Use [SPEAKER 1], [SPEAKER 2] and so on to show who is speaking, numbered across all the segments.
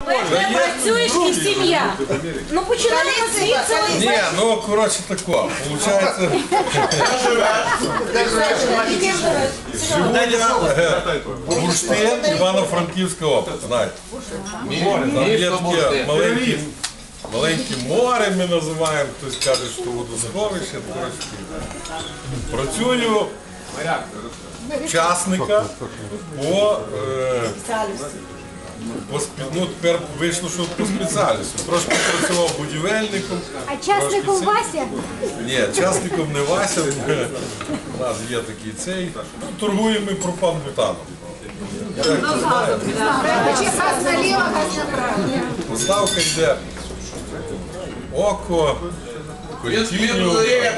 [SPEAKER 1] Де працюєш і сім'я. Ну починаємо звідси.
[SPEAKER 2] Ні, ну коротше тако. Получається, живу я Бурштин, Івано-Франківська область, знаєте. Там є таке маленьке море, ми називаємо, хтось каже, що водосховище. Працюю учасника ну, тепер вийшло, що по спеціальності. Трошки працював будівельником.
[SPEAKER 3] А частником Вася?
[SPEAKER 2] Ні, частником не Вася. У нас є такий цей. Ну, торгуємо ми пропан-бутаном.
[SPEAKER 3] Газ наліво, газ направо.
[SPEAKER 2] Поставка йде око, котінню.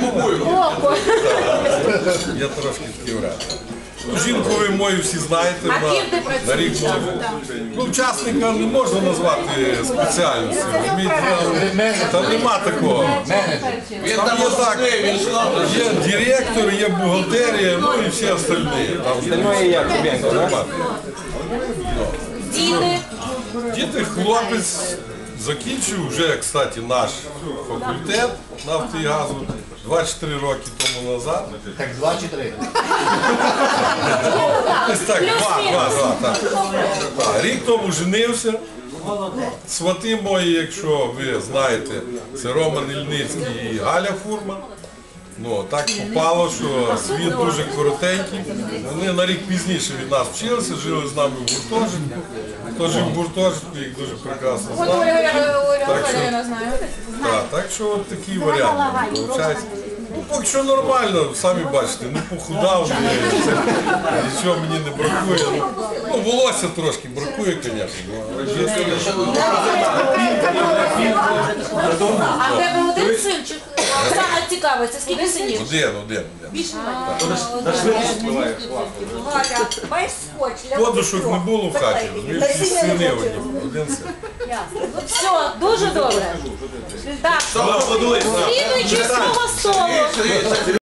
[SPEAKER 2] Я трошки такий вряд. Жінку ви мою всі знаєте, на рік ну, учасника не можна назвати спеціальністю, там нема такого. Там є так, є директор, є бухгалтерія, ну і всі остальні. Діти, хлопець закінчив вже, кстати, наш факультет нафти і газу 24 роки тому назад.
[SPEAKER 4] Так 2 чи 3?
[SPEAKER 2] Ось так, два. Рік тому женився. Свати мої, якщо ви знаєте, це Роман Ільницький і Галя Фурман. Ну, так попало, що світ дуже коротенький. Вони на рік пізніше від нас вчилися, жили з нами в гуртожитку. Хто жив в гуртожитку, їх дуже прекрасно знає. Так що от такий варіант виходить. Ну, поки що нормально, самі бачите, не похудав, нічого мені не бракує. Ну, волосся трошки бракує, звісно.
[SPEAKER 1] А в тебе один синчик? Оксана цікавиться, скільки синів?
[SPEAKER 2] Один.
[SPEAKER 1] Галя,
[SPEAKER 2] Подушок не було в хаті, всі сини один син.
[SPEAKER 1] все, дуже добре. Так, слідуючи з свого столу.